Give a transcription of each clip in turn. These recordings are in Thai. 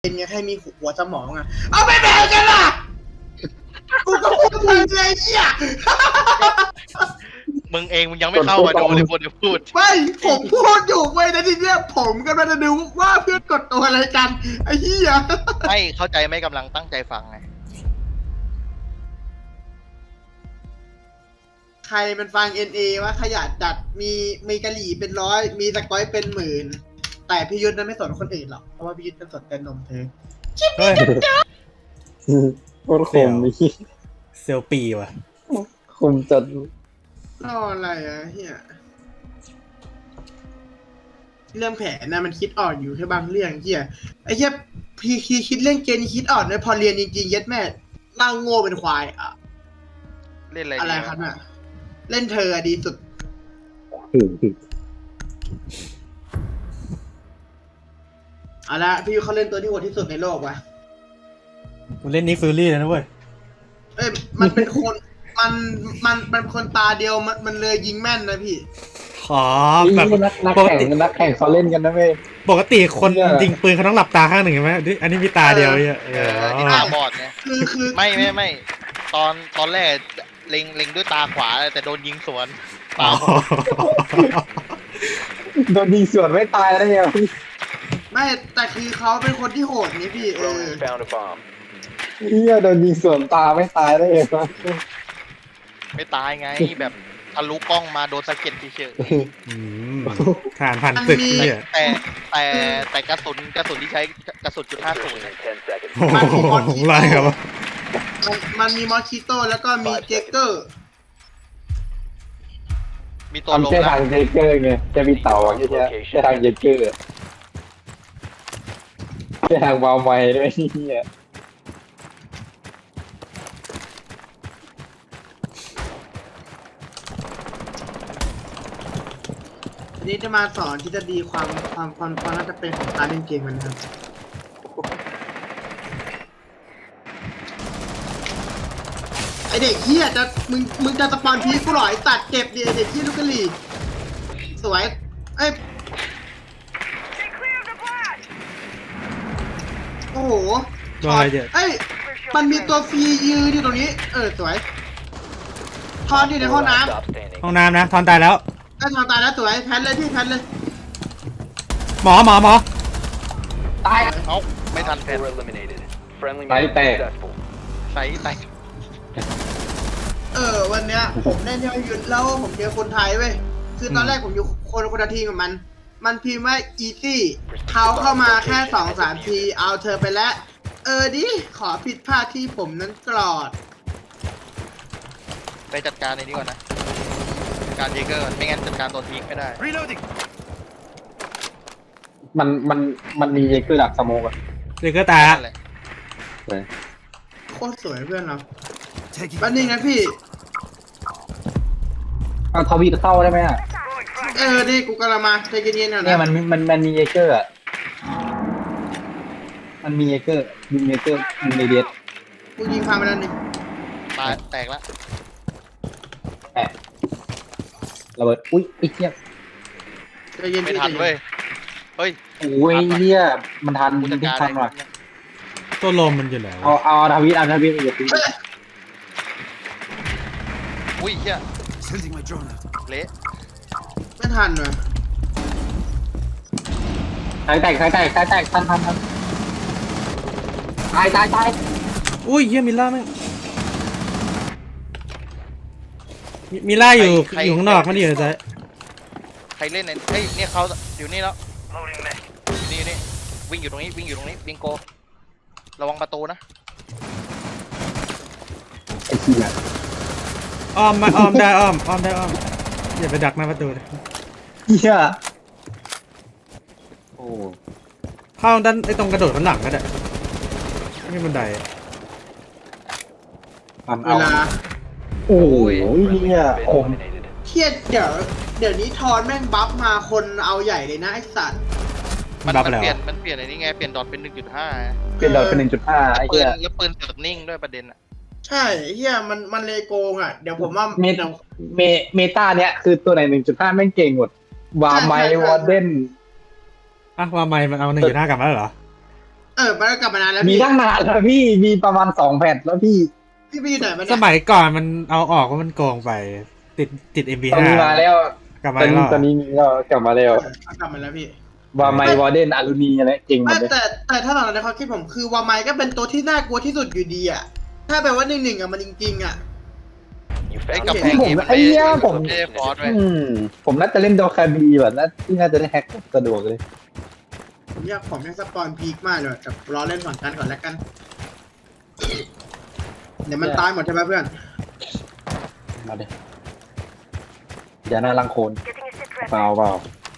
เป็นไงให้มีหัวสมองอ่ะเอาไปแบ่งกันล่ะกูก็พูดถึงเลยเชี่ยมึงเองมึงยังไม่เข้ามาดูเลยพูดไม่ผมพูดอยู่เว้ยนะทีเนี้ยผมกำลังจะดูว่าเพื่อนกดตัวอะไรกันไอ้เหี้ยไม่เข้าใจไม่กำลังตั้งใจฟังไงใครมันฟัง NA ว่าขยะจัดมีกะหรี่เป็นร้อยมีสกอยเป็นหมื่นแต่พี่ยุทธนั้นไม่สนคนอื่นหรอกเพราะว่าพี่ยุทธจะสนแต่นมเธอเฮ้ยโคตรคมนี่เซลปีว่ะคมจัดรออะไรอ่ะเฮียเรื่องแผนนะมันคิดออกอยู่แค่บางเรื่องเฮียไอ้เฮียพี่คิดเรื่องเกณฑ์คิดออกนะพอเรียนจริงๆเย็ดแม่นั่งโง่เป็นควายอ่ะเล่นอะไรอะไรครับน่ะเล่นเธอดีสุดเอาละพี่เขาเล่นตัวที่โหดที่สุดในโลกวะกูเล่นนิกฟิลลี่แล้วนะเว้ยเอ้ยมันเป็นคนมันเป็นคนตาเดียวมันเลยยิงแม่นนะพี่ขอแบบนักปกแข่งตินักแข่งเขาเล่นกันนะเว้ยปกติคนเนี่ยยิงปืนเขาต้องหลับตาข้างหนึ่งใช่ไหมอันนี้มีตาเดียวเนี่ยที่ตาบอดไงคือไม่ตอนแรกเล็งด้วยตาขวาแต่โดนยิงสวนตาอ๋อบอดโดนยิงสวนไม่ตายได้ไงไม่แต่คือเขาเป็นคนที่โหดนี่พี่เฮียโดนยิงสวนตาไม่ตายได้ไงวะไม่ตายไงแบบทะลุกล้องมาโดนสะเก็ดเฉยอืมฐานพันตึกเนี่ยๆแต่กระสุนที่ใช้กระสุนจุด50 โอ้โหไรครับวะมันมีมอสคิโต้แล้วก็มีเจเกอร์มีตัวลงทำแค่นะทางเจเกอร์ไงจะมีเต่าอ่ะแค่ทางเจเกอร์แค่ทางวาวไม้ด้วยเฮียทีนี้จะมาสอนทฤษฎีความน่าจะเป็นของการเล่นเกมมันนะครับไอเด็กเฮียจะมึงจะสปอนพีคกูหรอไอตัดเจ็บดิไอเด็กเฮียลูกกะหรี่สวยเอ้ยโอ้โหโดนอะไรเยอะเอ้ยมันมีตัวฟรียืนอยู่ตรงนี้สวยทอนอยู่ในห้องน้ำห้องน้ำนะทอนตายแล้วถ้าทอนตายแล้วสวยแพนเลยพี่แพนเลยหมอตายเอ้าไม่ทันแทนไตแตกใส่แต่วันเนี้ยผมเล่นที่ยุทธแล้วผมเจอคนไทยเว้ยคือตอนแรกผมอยู่คนละทีมกับมันพิมพ์ว่า easy เขาเข้ามาแค่2-3 ทีเอาเธอไปแล้วดิขอผิดพลาดที่ผมนั้นกรอดไปจัดการในนี้ก่อนนะจัดการเยเกอร์ก่อนไม่งั้นจัดการตัวทีมไม่ได้มันมีเจเกอร์ดักสโมกอะเด็กก็ตายละนั่นแหละโคตรสวยเพื่อนเราบันนี้นะพี่เอาทวีตเข้าได้ไหมอ่ะนี่กูกำลังมาใจเย็นๆหน่อยเนี่ยนะมันมีเจเกอร์อ่ะมันมีเจเกอร์ยิงเจเกอร์ยิงในเดียดกูยิงพังไปแล้วนี่ตายแตกแล้วแอะระเบิดอุ้ยไอ้เหี้ยใจเย็นไม่พี่ทันเว้ยเฮ้ยโอ้ยเหี้ยมันทันกูจัดทุกการทันว่ะตัวลมมันอยู่ไหนเอาทวีตเอาทวีตอย่าตีอุ้ยเหี้ยเละไม่ทันว่ะสายแตกทันตายอุ้ยเฮียมิล่าแม่งมิล่าอยู่ข้างนอกไม่ได้อยู่ในใจใครเล่นเฮ้ยเนี่ยเขาอยู่นี่แล้วนี่วิ่งอยู่ตรงนี้วิ่งโกระวังประตูนะไอ้เหี้ยอ้อมได้อ้อมอย่าไปดักหน้าประตูเลยเหี้ยโอ้เข้าด้านไอ้ตรงกระโดดข้างหลังก็ได้ไม่มีบันไดอะมันเวเอาลาโอ้ยเนี่ยคมเทียดเดี๋ยวนี้ทอนแม่งบัฟมาคนเอาใหญ่เลยนะไอสัตว์มันบัฟแล้วเปลี่ยนอะไรนี่ไงเปลี่ยนดอทเป็น 1.5 เปลี่ยนดอทเป็น 1.5 ไอ้ปืเหี้นยแล้วปืนเสือกนิ่งด้วยประเด็นอ่ะใช่เฮียมันเลยโกงอ่ะ เดี๋ยวผมว่าเมตาเนี้ยคือตัวไหน 1.5 แม่งเก่งหมดวาไมวอร์เดนอ่ะว่าไม่มันเอา1.5กลับมาแล้วเหรอเมันก็กลับมานานแล้วมีพี่ตั้งนานแล้วพี่มีประมาณ2 แผ่นแล้วพี่พี่ไปอยู่ไหนมาสเนี่ยมัยก่อนมันเอาออกว่ามันโกงไป ติด MP5 ตอนนี้มาแล้วกลับตมาอนนี้แล้วตอนนี้มีแล้วกลับมาแล้วเอากลับมาแล้วพี่วาไมวอร์เดนอารูนีอะไรจริงหมไม่ดเลยแต่ถ้าตอนนั้นในความคิดผมคือวาไมก็เป็นตัวที่น่ากลัวที่สุดอยู่ดีอ่ะถ้าแบบว่า1-1อ่ะมันจริงๆอ่ะไอ้กำแพงผมนี้มันไอ้เนี้ยผมไม่ได้ฟอร์สไว้ผมน่าจะเล่นโดคาบีแบบน่าที่น่าจะได้แฮกสะดวกเลยผมอยากสปอนพีคมากเลยแต่รอเล่นฝั่งกันก่อนแล้วกัน เดี๋ยวมันตายหมดใช่ไหมเพื่อนมาดิอย่าหน้าลังโคนเปล่าเปล่า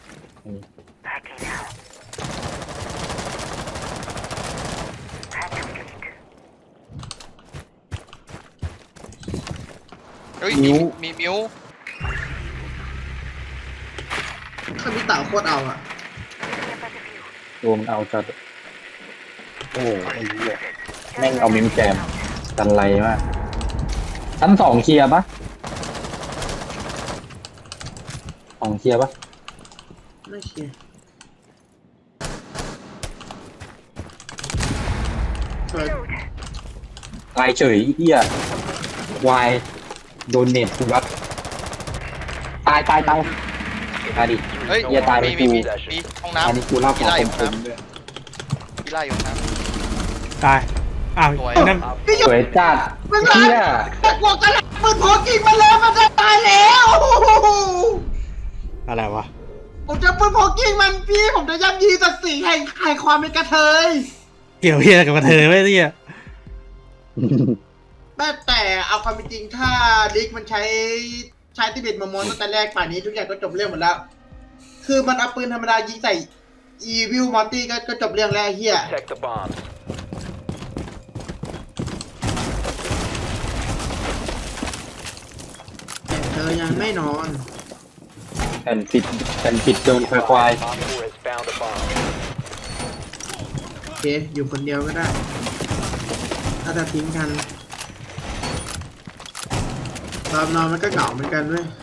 เฮ้ยมิ้วมีมิวถ้ามีเต่าโคตรเอาอ่ะตัวมันเอาจัดโอ้ไอ้เหี้ยแม่งเอามิมแจมกันไรมากชั้น2เคลียร์ปะ2เคลียร์ปะไม่เชียร์สวยตายเฉยไอ้เหี้ยวายโดนเน็ตกูรัดตายตายดิเฮ้ยเหี้ยตายไปมีกูมีห้องอันน้ำนี้กูเล่าขกีอฬาอยู่คห้องมน้ๆด้วยำกีฬาอยู่ห้องน้ตายอ้าวสวยนั่นพี่สวยจัดมันเหี้ยตะกวกตะลักปืนพกยิงมาเลยมันจะตายแล้วอะไรวะผมจะปืนพกยิงมันพี่ผมจะย่ำยีศักดิ์ศรีแห่งความเป็นกระเทยเกี่ยวเฮียกับกระเทยไว้เนี่ยแต่เอาความเป็นจริงถ้าลิกมันใช้ติเบตมามอนตั้งแต่แรกป่านนี้ทุกอย่างก็จบเรื่องหมดแล้ว คือมันเอาปืนธรรมดายิงใส่อีวิลมอร์ตี้ก็จบเรื่องแล้วไอ้เฮีย Protect the bomb. แต่เธอยังไม่นอนแผ่นปิดโดนควาย Op 4 has found a bomb. โอเค อยู่คนเดียวก็ได้ ถ้าจะทิ้งกันตอนนอนมันก็เหงาเหมือนกันเว้ย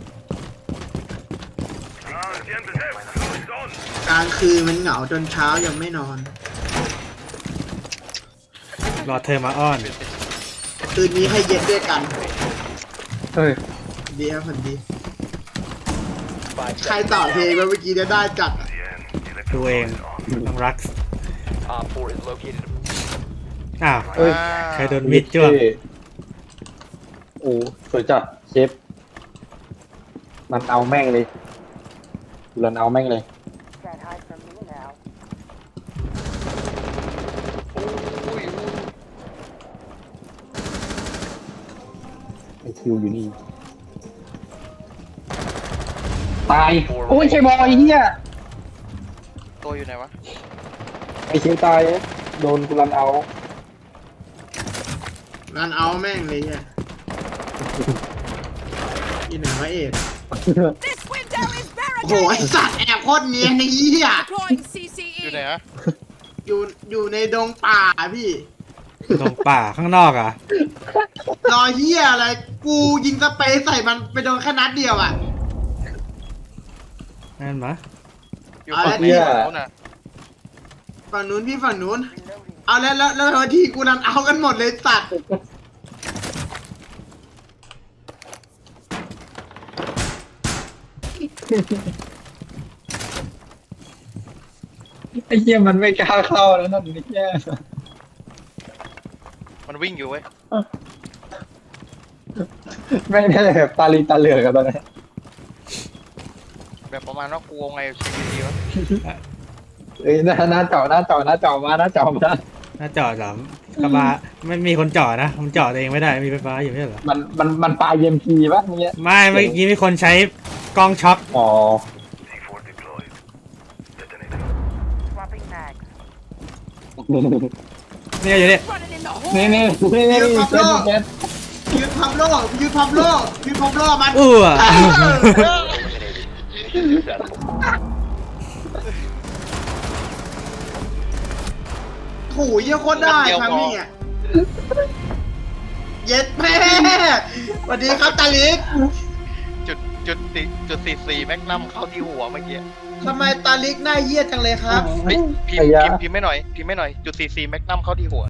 กลางคืนมันเหงาจนเช้ายังไม่นอนรอเธอมาอ้อนคืนนี้ให้เย็นด้วยกันเฮ้ยดีครับคนดี 5 ใครต่อเพลงมาเมื่อกี้เนี่ยได้จัดอะดูเองต้องรัก Op 4 is located. อ้าวเอ้ยใครโดนมิดจ้วงโอ้สวยจัดเชฟมันเอาแม่งเลยรันเอาแม่งเลย ไอคิวอยู่นี่ ตาย โอ้ยใช่บอยเฮียตัวอยู่ไหนวะไอคิวตาย โดนกูรันเอางานเอาแม่งเลยเนี่ยอีหนึ่งร้อยเอ็ด This window is โอ้โหไอ barricaded. สัตว์แอบโคตรเนียนไอ้เหี้ย Deploying อยู่ไหน CCE. อะอยู่ในดงป่าพี่ตรงป่าข้างนอกอ่ะรอเหี้ยอะไร กูยิงสเปรย์ใส่มันไปโดนแค่นัดเดียวอ่ะนั่นมะอยู่เอาฝั่งแล้วไหนฝั่งนู้นน่ะฝั่งนู้นพี่ฝั่งนู้น เอาแล้วทีกูนันเอากันหมดเลยสัตว์ไอเฮียมันไม่กล้าเข้าแล้วนั่นไอ้เฮียมันวิ่งอยู่เว้ยไม่ได้แบบตาลีตาเหลือกกันตอนนี้แบบประมาณว่ากลัวไงชีวิตดีวะเอ้ยหน้าเจาะมาหน้าเจาะมาหน้าจอดเหรอก็มาไม่มีคนจอดนะผมจอดเองไม่ได้มีไฟฟ้าอยู่ไม่ใช่เหรอมันปลาเยมพีป่ะเนี้ยไม่เมื่อกี้มีคนใช้กล้องช็อคอ๋อ Swapping mags. เนี่ยอยู่เนี่ย Running in the นี่ hole. นี่นี่นี่เจ็ดยืนพับโลกยืนพับโลกยืนพับโลกมันอู้อะโถูเยี่ยโคตรได้ทำนี่อ่ะเย็ดแม่สวัสดีครับตาลิกจุด44แม็กนัมเข้าที่หัวเมื่อกี้ทำไมตาลิกหน้าเยี่ยจังเลยครับเฮ้ยพิมพ์ไม่หน่อยจุด44แม็กนัมเข้าที่หัว